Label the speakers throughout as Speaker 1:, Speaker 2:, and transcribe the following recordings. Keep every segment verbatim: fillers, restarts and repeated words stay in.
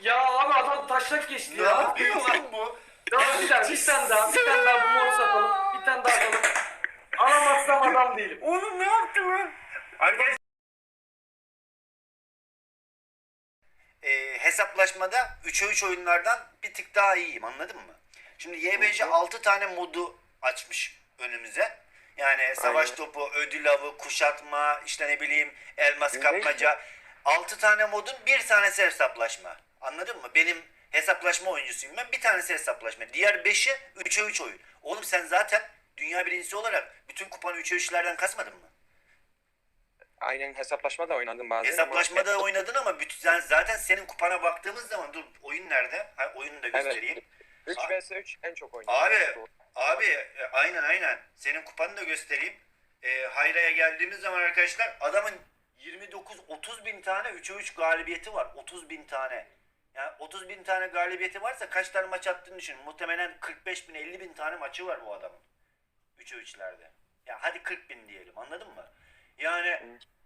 Speaker 1: Ya abi adam taşlak geçti
Speaker 2: Ne
Speaker 1: ya.
Speaker 2: yapıyor lan bu?
Speaker 1: Ya bir tane, bir tane daha, bir tane daha bu moru satalım. Bir tane daha atalım. Alamazsam adam değilim.
Speaker 2: Oğlum ne yaptı lan? Arkadaşlar e, hesaplaşmada üçe üç oyunlardan bir tık daha iyiyim, anladın mı? Şimdi Y B C altı tane modu açmış önümüze. Yani savaş
Speaker 3: Aynen.
Speaker 2: topu, ödül avı, kuşatma, işte ne bileyim elmas
Speaker 3: Ne
Speaker 2: kapmaca. altı tane modun bir tanesi hesaplaşma. Anladın mı? Benim hesaplaşma oyuncusuyum ben. Bir tanesi hesaplaşma. Diğer beşi üçe üç oyun. Oğlum sen zaten dünya birincisi olarak bütün kupanı üçe üçlerden kasmadın mı?
Speaker 3: Aynen, hesaplaşma da oynadım bazen.
Speaker 2: Hesaplaşmada
Speaker 3: ama-
Speaker 2: oynadın ama bütün, sen, zaten senin kupana baktığımız zaman dur oyun nerede? Ha, oyunu da göstereyim.
Speaker 3: Evet. üç vs üç en çok oynadım.
Speaker 2: Abi,
Speaker 3: Doğru.
Speaker 2: abi e, aynen aynen. Senin kupanı da göstereyim. E, Hayra'ya geldiğimiz zaman arkadaşlar adamın yirmi dokuz otuz bin tane üçe üç galibiyeti var. otuz bin tane. Yani otuz bin tane galibiyeti varsa kaç tane maç attığını düşün. Muhtemelen kırk beş bin elli bin tane maçı var bu adamın. üçe üçlerde. Ya hadi kırk bin diyelim, anladın mı? Yani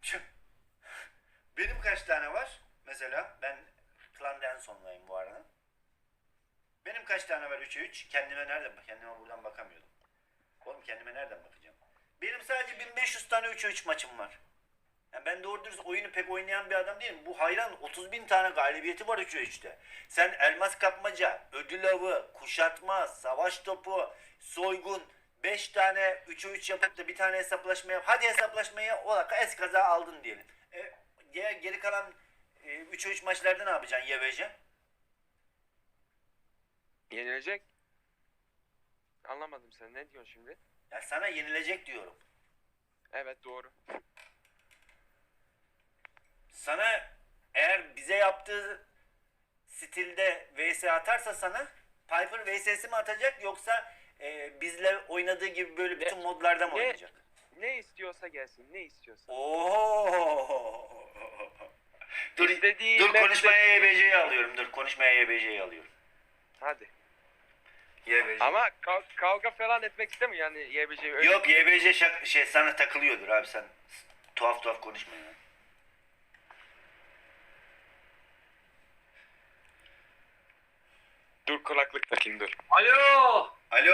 Speaker 2: benim kaç tane var? Mesela ben klanda en sondayım bu arada. Benim kaç tane var üçe üç? Kendime nereden bak? Kendime buradan bakamıyordum. Oğlum kendime nereden bakacağım? Benim sadece bin beş yüz tane üçe üç maçım var. Yani ben doğru dürüst oyunu pek oynayan bir adam değilim. Bu hayran otuz bin tane galibiyeti var üçe üçte. Sen elmas kapmaca, ödül avı, kuşatma, savaş topu, soygun, beş tane üçe üç yapıp da bir tane hesaplaşma yap. Hadi hesaplaşmaya ola eskaza aldın diyelim. E, geri kalan e, üçe üç maçlarda ne yapacaksın Y B C?
Speaker 3: Yenilecek. Anlamadım, sen ne diyorsun şimdi?
Speaker 2: Ya sana yenilecek diyorum.
Speaker 3: Evet, doğru.
Speaker 2: Sana eğer bize yaptığı stilde V S atarsa sana Piper V S'si mi atacak yoksa e, bizle oynadığı gibi böyle bütün
Speaker 3: Ne-
Speaker 2: modlarda mı
Speaker 3: ne-
Speaker 2: oynayacak?
Speaker 3: Ne istiyorsa gelsin, ne istiyorsa.
Speaker 2: Oo. dur
Speaker 3: İstediği
Speaker 2: dur
Speaker 3: map'te-
Speaker 2: konuşmaya Y B C'yi alıyorum. Dur konuşmaya Y B C'yi alıyorum.
Speaker 3: Hadi.
Speaker 2: Y B C.
Speaker 3: Ama kav- kavga falan etmek istemiyor yani Y B C. Öyle
Speaker 2: Yok Y B C şak- şey sana takılıyordur abi, sen tuhaf tuhaf konuşma ya.
Speaker 3: Dur, kulaklık takayım, dur.
Speaker 1: Alo.
Speaker 2: Alo.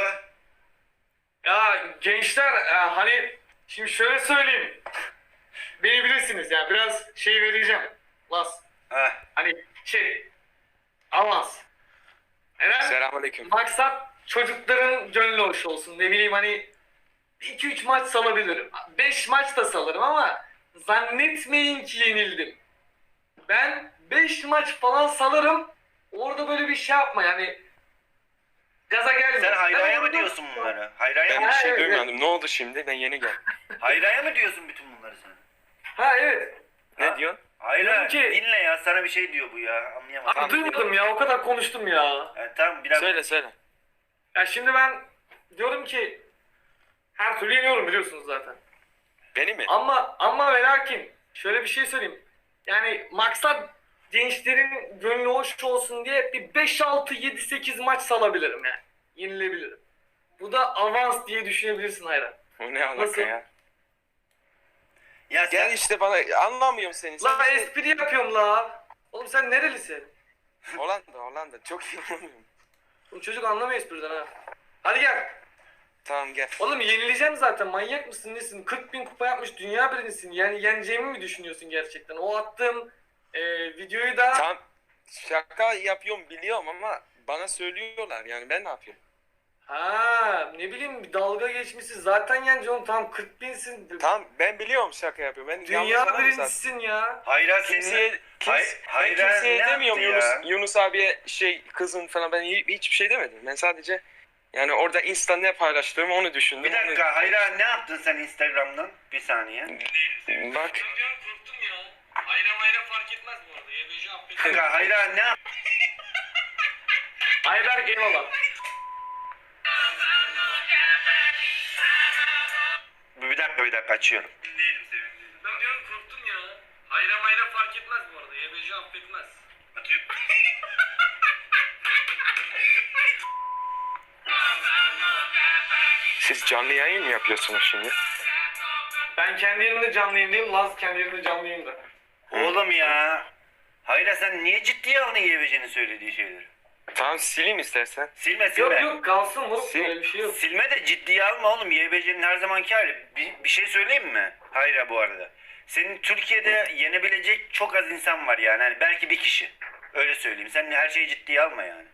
Speaker 1: Ya gençler e, hani şimdi şöyle söyleyeyim. Beni bilirsiniz ya biraz şey vereceğim. Las.
Speaker 2: Ha.
Speaker 1: Hani şey avans. Neden?
Speaker 3: Selamünaleyküm.
Speaker 1: Maksat çocukların gönlü hoş olsun. Ne bileyim hani iki üç maç salabilirim. beş maç da salarım ama zannetmeyin ki yenildim. Ben beş maç falan salarım. Orada böyle bir şey yapma yani. Gaza gelme.
Speaker 2: Sen Hayra'ya
Speaker 1: Ben
Speaker 2: mı
Speaker 1: orada-
Speaker 2: diyorsun bunları? Hayra'ya
Speaker 3: Ben
Speaker 2: mı?
Speaker 3: bir
Speaker 1: Ha,
Speaker 3: şey
Speaker 1: evet,
Speaker 3: duymadım. Ne oldu şimdi? Ben yeni geldim.
Speaker 2: Hayra'ya mı diyorsun bütün bunları sen?
Speaker 1: Ha evet.
Speaker 3: Ne
Speaker 2: Ha?
Speaker 3: diyorsun?
Speaker 2: Hayra
Speaker 1: Diyorum ki-
Speaker 2: dinle ya, sana bir şey diyor bu ya, anlayamadım.
Speaker 1: Abi duymadım ya o kadar konuştum ya.
Speaker 2: Yani tamam bir dakika.
Speaker 3: Söyle söyle.
Speaker 1: Ya şimdi ben diyorum ki her türlü yeniyorum biliyorsunuz zaten.
Speaker 3: Beni mi?
Speaker 1: Ama ama ve lakin şöyle bir şey söyleyeyim. Yani maksat gençlerin gönlü hoş olsun diye bir beş altı yedi sekiz maç salabilirim yani. Yenilebilirim. Bu da avans diye düşünebilirsin hayran.
Speaker 3: O ne alaka
Speaker 1: Nasıl?
Speaker 3: ya?
Speaker 2: Ya sen,
Speaker 3: Gel işte, bana anlamıyorum seni. Sen
Speaker 1: La
Speaker 3: işte-
Speaker 1: espri yapıyorum la. Oğlum sen nerelisin?
Speaker 3: Hollanda, Hollanda. Çok iyi anlamıyorum.
Speaker 1: Bu çocuk anlamıyor espriden ha. Hadi gel.
Speaker 3: Tamam, gel.
Speaker 1: Oğlum yenileceğim zaten, manyak mısın nesin? kırk bin kupa yapmış dünya birincisin. Yani yeneceğimi mi düşünüyorsun gerçekten? O attığım e, videoyu da...
Speaker 3: Tamam, şaka yapıyorum biliyorum ama bana söylüyorlar, yani ben ne yapayım?
Speaker 1: Ha ne bileyim bir dalga geçmişsin. Zaten yeneceğim, tam kırk binsin.
Speaker 3: Tamam, ben biliyorum şaka yapıyorum. Ben yanlış
Speaker 1: Dünya
Speaker 3: adamım zaten.
Speaker 1: birincisin ya.
Speaker 2: Hayra
Speaker 3: Kimseye,
Speaker 2: seni...
Speaker 3: kimse,
Speaker 2: Hay-
Speaker 3: ben
Speaker 2: Hayra
Speaker 3: kimseye
Speaker 2: ne
Speaker 3: demiyorum
Speaker 2: yaptı
Speaker 3: Yunus,
Speaker 2: ya?
Speaker 3: Yunus abiye şey kızın falan, ben hi- hiçbir şey demedim. Ben sadece yani orada Insta ne paylaştığımı onu düşündüm.
Speaker 2: Bir dakika
Speaker 3: Onu-
Speaker 2: Hayra, ne yaptın sen Instagram'dan? Bir saniye.
Speaker 3: Bak,
Speaker 1: Korktum ya. Hayra mayra fark etmez bu arada. Y B C
Speaker 2: Bir dakika Hayra ne yaptın?
Speaker 1: Ayberk eyvallah.
Speaker 2: Bir dakika bir dakika açıyorum.
Speaker 1: Ben diyorum korktum ya. Hayra mayra fark etmez bu arada. Y B C affetmez.
Speaker 3: siz canlı yayın mı yapıyorsunuz şimdi?
Speaker 1: Ben kendi yerimde canlı yayındayım. Laz kendi yerinde canlı yayında.
Speaker 2: Oğlum ya. Hayır sen niye ciddiye aldın Y B C'nin söylediği şeyleri?
Speaker 3: Tamam sileyim istersen.
Speaker 2: Silme silme.
Speaker 1: Yok yok kalsın moruk,
Speaker 3: Sil-
Speaker 1: öyle bir şey yok.
Speaker 2: Silme de ciddiye alma oğlum. Y B C'nin her zamanki hali. Bir, bir şey söyleyeyim mi? Hayır bu arada. Senin Türkiye'de yenebilecek çok az insan var yani. Hani belki bir kişi. Öyle söyleyeyim. Sen her şeyi ciddiye alma yani.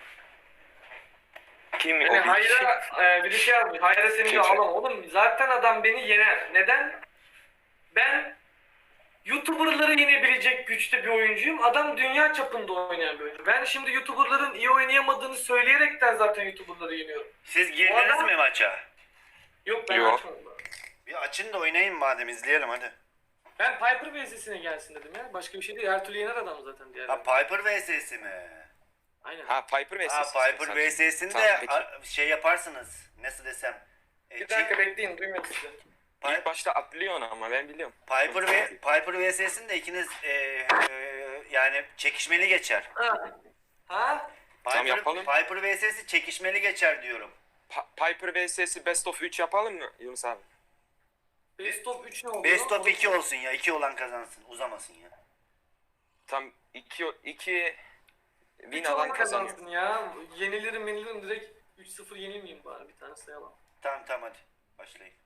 Speaker 3: Kim
Speaker 1: Yani
Speaker 3: o bir kişi?
Speaker 1: Hayra e, bir de şey yazmış. Hayra seni de
Speaker 3: Kimse.
Speaker 1: alamam. Oğlum zaten adam beni yener. Neden? Ben YouTuber'ları yenebilecek güçte bir oyuncuyum. Adam dünya çapında oynayan bir oyuncu. Ben şimdi YouTuber'ların iyi oynayamadığını söyleyerekten zaten YouTuber'ları yeniyorum.
Speaker 2: Siz girdiniz
Speaker 1: O adam-
Speaker 2: mi maça?
Speaker 1: Yok ben
Speaker 3: Yok.
Speaker 1: açmadım. daha.
Speaker 2: Bir açın da oynayın madem izleyelim hadi.
Speaker 1: Ben Piper V S'sine gelsin dedim ya. Başka bir şey değil. Her türlü yener adam zaten diğer.
Speaker 2: Ha Piper V S'si mi?
Speaker 1: Aynen.
Speaker 3: Ha Piper ve
Speaker 2: Ha Piper V S'sini
Speaker 3: Tamam,
Speaker 2: de
Speaker 3: peki.
Speaker 2: a- şey yaparsınız. Nasıl desem? E,
Speaker 1: Bir
Speaker 2: çi-
Speaker 1: dakika bekleyin, duymuyorum sizi.
Speaker 2: Pi-
Speaker 3: İlk başta atlıyor onu ama ben biliyorum.
Speaker 2: Piper ve Piper V S'sini de ikiniz e, e, yani çekişmeli geçer.
Speaker 1: Ha? Ha?
Speaker 2: Piper,
Speaker 3: Tamam, yapalım.
Speaker 2: Piper V S'si çekişmeli geçer diyorum.
Speaker 3: Pa- Piper vs Best of üç yapalım mı Yunus abi?
Speaker 1: Best of üç ne oldu?
Speaker 2: Best
Speaker 1: lan?
Speaker 2: of iki olsun ya. iki olan kazansın. Uzamasın ya.
Speaker 3: Tam iki iki win
Speaker 1: Üç
Speaker 3: alan
Speaker 1: olan
Speaker 3: kazanıyor.
Speaker 1: kazansın ya. Yenilirim yenilirim direkt üç sıfır yenilmeyeyim bari, bir tane sayalım.
Speaker 2: Tamam tamam hadi. Başlayın.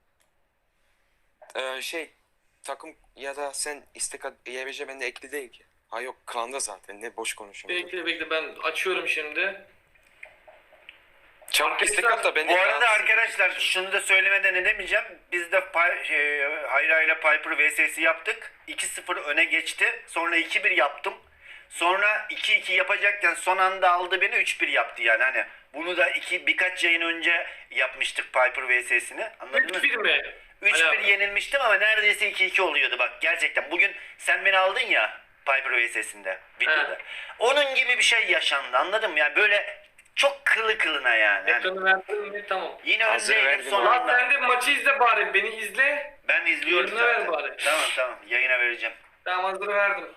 Speaker 3: Ee, şey takım ya da sen istek at- Y B C bende ekli değil ki. Ha yok klanda zaten ne boş konuşuyorum.
Speaker 1: Bekle bekle, ben açıyorum şimdi.
Speaker 3: Çabuk istek at da ben de
Speaker 2: Bu arada
Speaker 3: biraz-
Speaker 2: arkadaşlar şunu da söylemeden edemeyeceğim. Biz de Pi- şey, Hayra ile Piper V S'si yaptık. iki sıfır öne geçti. Sonra iki bir yaptım. Sonra iki iki yapacakken son anda aldı beni üç bir yaptı yani hani. Bunu da iki birkaç yayın önce yapmıştık Piper V S'sini. Anladınız
Speaker 1: üç bir
Speaker 2: mı?
Speaker 1: mi?
Speaker 2: üç bir
Speaker 1: Hala.
Speaker 2: yenilmiştim ama neredeyse iki iki oluyordu bak gerçekten. Bugün sen beni aldın ya Piper V S'sinde videoda.
Speaker 1: He.
Speaker 2: Onun gibi bir şey yaşandı anladın mı? Yani böyle çok kılı kılına yani. Hani
Speaker 1: Ekranı verdin mi? Tamam.
Speaker 2: yine
Speaker 3: Hazır
Speaker 2: öndeydim
Speaker 3: verdim
Speaker 2: son
Speaker 3: abi.
Speaker 1: Lan
Speaker 2: anda.
Speaker 1: sen de maçı izle bari, beni izle.
Speaker 2: Ben izliyorum
Speaker 1: Yayına ver
Speaker 2: zaten.
Speaker 1: bari.
Speaker 2: Tamam tamam yayına vereceğim.
Speaker 1: Tamam, hazır verdim.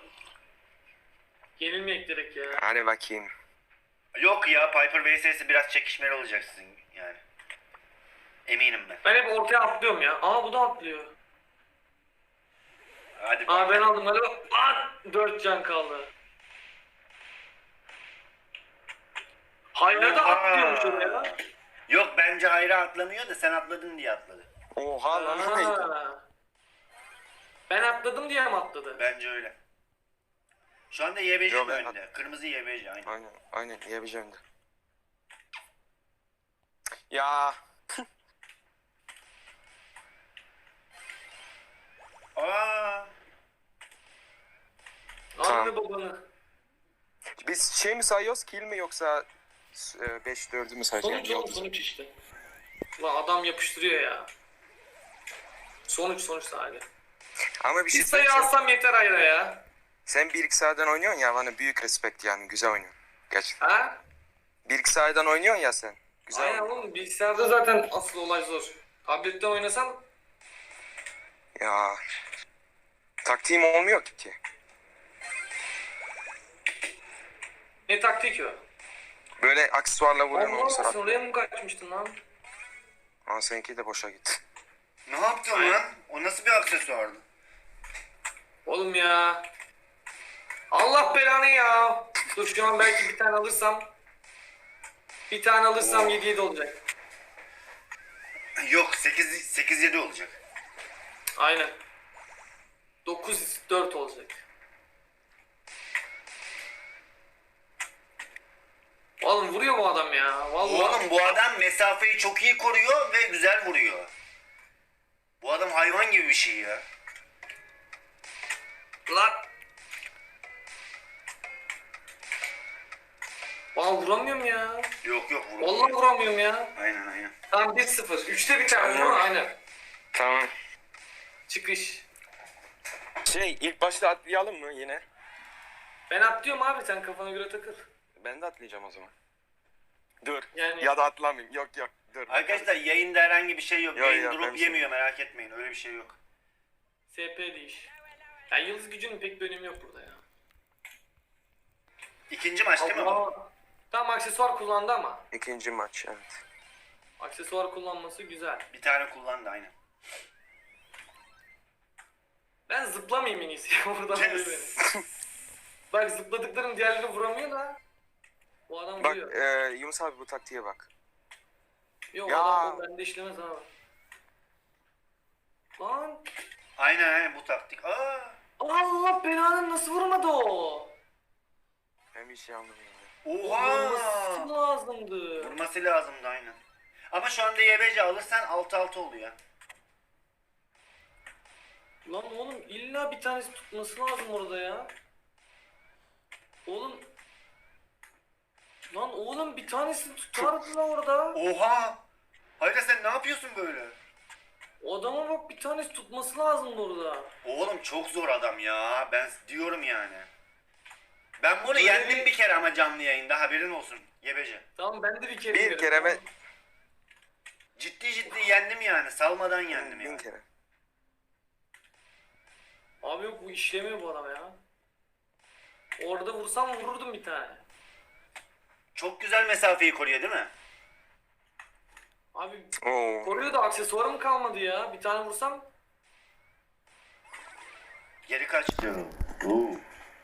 Speaker 1: Yenilmeyek direkt ya.
Speaker 3: Hadi bakayım.
Speaker 2: Yok ya Piper V S'si biraz çekişmeli olacak sizin yani. Eminim ben.
Speaker 1: Ben hep ortaya atlıyorum ya. Aa bu da atlıyor.
Speaker 2: Hadi
Speaker 1: Aa
Speaker 2: bak.
Speaker 1: ben aldım hadi. Lan dört can kaldı. Hayra da
Speaker 2: Oha.
Speaker 1: atlıyormuş oraya.
Speaker 2: Yok bence Hayra atlamıyor da sen atladın diye atladı.
Speaker 3: Oha lan o neydi?
Speaker 1: Aa. Ben atladım diye mi atladı?
Speaker 2: Bence öyle. Şu anda Y B C
Speaker 3: Yok,
Speaker 2: mi
Speaker 3: ben-
Speaker 2: önde? Kırmızı Y B C aynı.
Speaker 3: Aynen aynen Y B C önde. Ya
Speaker 2: Aa,
Speaker 1: Anne babanı.
Speaker 3: biz şey mi sayıyoruz kill mi yoksa beş dördü mü sayacağız?
Speaker 1: Sonuç
Speaker 3: Yani
Speaker 1: oğlum, sonuç işte. Lan adam yapıştırıyor ya. Sonuç sonuç sadece.
Speaker 3: Ama bir şey
Speaker 1: Bir sayı
Speaker 3: söyleyeyim.
Speaker 1: alsam yeter Hayra ya.
Speaker 3: Sen bir iki sahadan oynuyorsun ya bana büyük respekt yani güzel oynuyorsun. Gerçekten.
Speaker 1: Ha?
Speaker 3: Bir iki sahadan oynuyorsun ya sen. Güzel
Speaker 1: Aynen
Speaker 3: oynuyorsun.
Speaker 1: oğlum, bilgisayarda zaten asıl olay zor. Tabletten oynasam
Speaker 3: Ya taktiğim olmuyor ki.
Speaker 1: ne taktik o?
Speaker 3: Böyle aksesuarla vuruyorsun onu
Speaker 1: Allah
Speaker 3: sıra.
Speaker 1: sen oraya mı kaçmıştın lan?
Speaker 3: Ama seninki de boşa gitti.
Speaker 2: ne yaptın lan? O nasıl bir aksesuardı?
Speaker 1: Oğlum ya. Allah belanı ya. Dur şu an belki bir tane alırsam. Bir tane alırsam
Speaker 2: Oo.
Speaker 1: yedi yedi olacak.
Speaker 2: Yok sekiz sekiz yedi olacak.
Speaker 1: Aynen. dokuz dört olacak. Oğlum vuruyor bu adam ya. Vallahi.
Speaker 2: Oğlum bu adam mesafeyi çok iyi koruyor ve güzel vuruyor. Bu adam hayvan gibi bir şey ya.
Speaker 1: Lan. Vallahi vuramıyorum ya.
Speaker 2: Yok yok
Speaker 1: Vallahi
Speaker 2: vuruyor.
Speaker 1: vuramıyorum ya.
Speaker 2: Aynen aynen.
Speaker 1: Tamam bir sıfır. üçte biter değil mi?
Speaker 3: Tamam.
Speaker 1: Aynen.
Speaker 3: Tamam.
Speaker 1: Çıkış.
Speaker 3: Şey ilk başta atlayalım mı yine?
Speaker 1: Ben atlıyorum abi, sen kafana göre takıl.
Speaker 3: Ben de atlayacağım o zaman. Dur.
Speaker 1: Yani-
Speaker 3: Ya da atlamayayım. Yok yok. Dur.
Speaker 2: Arkadaşlar yayında herhangi bir şey yok.
Speaker 3: Yok,
Speaker 2: Yayın
Speaker 3: yok,
Speaker 2: durup
Speaker 3: ben
Speaker 2: yemiyor merak etmeyin. Öyle bir şey yok.
Speaker 1: S P değiş. Ya yıldız gücünün pek bir önemi yok burada ya.
Speaker 2: İkinci maç değil mi bu?
Speaker 1: Allah. Tam aksesuar kullandı ama.
Speaker 3: İkinci maç evet.
Speaker 1: Aksesuar kullanması güzel.
Speaker 2: Bir tane kullandı aynen.
Speaker 1: Ben zıplamayayım en iyisi. Buradan vuruyor beni. Bak zıpladıkların diğerleri vuramıyor da. Bu adam
Speaker 3: Bak
Speaker 1: vuruyor.
Speaker 3: e, Yunus abi bu taktiğe bak.
Speaker 1: Yok
Speaker 3: ya.
Speaker 1: adam o bende işlemez abi. Lan.
Speaker 2: Aynen aynen bu taktik. Aa.
Speaker 1: Allah belanı nasıl vurmadı o?
Speaker 3: Ben bir şey anlamadım.
Speaker 2: Oha.
Speaker 1: Vurması lazımdı.
Speaker 2: Vurması lazımdı aynen. Ama şu anda Y B C alırsan altı altı oluyor.
Speaker 1: Lan oğlum illa bir tanesi tutması lazım orada ya. Oğlum. Lan oğlum bir tanesi tutardı lan orada.
Speaker 2: Oha. Hayda sen ne yapıyorsun böyle?
Speaker 1: O adama bak bir tanesi tutması lazım orada.
Speaker 2: Oğlum çok zor adam ya. Ben diyorum yani. Ben bunu
Speaker 1: Böyle
Speaker 2: yendim
Speaker 1: bir-
Speaker 2: bir kere ama canlı yayında haberin olsun. Y B C.
Speaker 1: Tamam ben de bir kere
Speaker 3: Bir
Speaker 1: yerim,
Speaker 3: kere ben-
Speaker 1: tamam.
Speaker 2: Ciddi ciddi yendim yani. Salmadan yendim
Speaker 3: Bin
Speaker 2: yani.
Speaker 3: kere.
Speaker 1: Abi yok bu işlemiyor bu adam ya. Orada vursam vururdum bir tane.
Speaker 2: Çok güzel mesafeyi koruyor değil mi?
Speaker 1: Abi
Speaker 3: Oo.
Speaker 1: koruyor da aksesuarım kalmadı ya. Bir tane vursam.
Speaker 2: Geri kaç diyorum. Oo.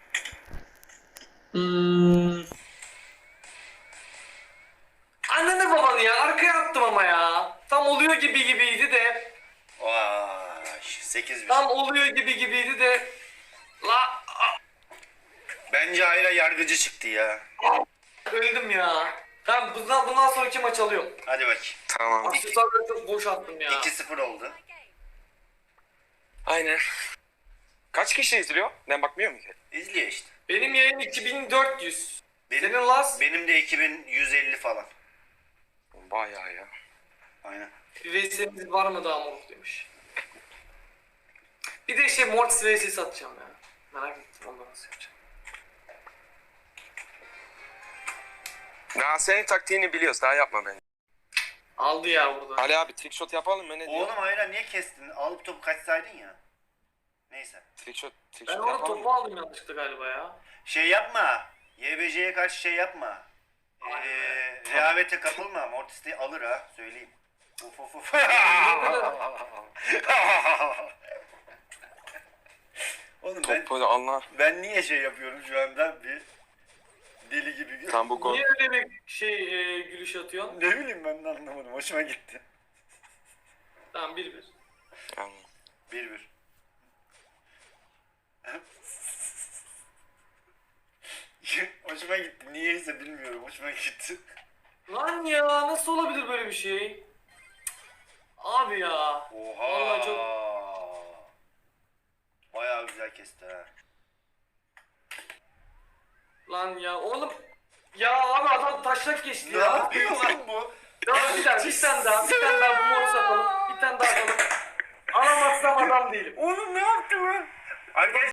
Speaker 1: Hmm. Annene babanı ya arkaya attım ama ya. Tam oluyor gibi gibiydi de.
Speaker 2: Vay. sekiz bir.
Speaker 1: Tam oluyor gibi gibiydi de. La
Speaker 2: Bence Ayra yargıcı çıktı ya.
Speaker 1: öldüm ya. Tamam bundan, bundan sonraki maç alıyorum.
Speaker 2: Hadi bakayım.
Speaker 3: Tamam.
Speaker 1: Aksesuarları çok boş attım ya.
Speaker 2: iki sıfır oldu.
Speaker 3: Aynen. Kaç kişi izliyor? Ben bakmıyor mu ki?
Speaker 2: İzliyor işte.
Speaker 1: Benim yayın iki bin dört yüz.
Speaker 2: Benim,
Speaker 1: Senin Lars
Speaker 2: benim de iki bin yüz elli falan.
Speaker 3: Bayağı ya.
Speaker 2: Aynen.
Speaker 1: bir V S'niz var mı daha moruk demiş. Bir de şey Mortis V S'si atacağım ya. Merak ettim ondan nasıl yapacağım.
Speaker 3: Ya senin taktiğini biliyoruz. Daha yapma beni.
Speaker 1: Aldı ya burada.
Speaker 3: Ali abi trickshot yapalım mı? Ne diyor?
Speaker 2: Oğlum Ayra niye kestin? Alıp topu kaçsaydın ya. Neyse.
Speaker 3: Trickshot,
Speaker 1: Ben
Speaker 3: trickshot
Speaker 1: orada
Speaker 3: yapalım
Speaker 1: topu
Speaker 3: mı?
Speaker 1: aldım yanlışlıkla galiba ya.
Speaker 2: Şey yapma. Y B C'ye karşı şey yapma. Ee, rehavete kapılma. Mortis de alır ha. Söyleyeyim. Uf uf uf. Oğlum ben,
Speaker 3: Topu anlar.
Speaker 2: ben niye şey yapıyorum şu anda bir deli gibi.
Speaker 3: Tam bu gol.
Speaker 1: Niye öyle bir şey e, gülüş atıyorsun?
Speaker 2: Ne bileyim ben de anlamadım. Hoşuma gitti.
Speaker 1: Tamam bir bir.
Speaker 3: Yani.
Speaker 2: Bir bir. Hoşuma gitti. Niyeyse bilmiyorum. Hoşuma gitti.
Speaker 1: Lan ya nasıl olabilir böyle bir şey? Abi ya.
Speaker 2: Oha.
Speaker 1: Vallahi çok...
Speaker 2: Bayağı güzel kesti ha.
Speaker 1: Lan ya oğlum. Ya abi adam taşlak geçti
Speaker 2: Ne
Speaker 1: ya.
Speaker 2: yapıyor lan bu?
Speaker 1: Ya bir tane, bir tane daha, bir tane daha bu mor satalım. Bir tane daha atalım. Alamazsam adam değilim.
Speaker 2: Oğlum ne yaptı lan? Arkadaşlar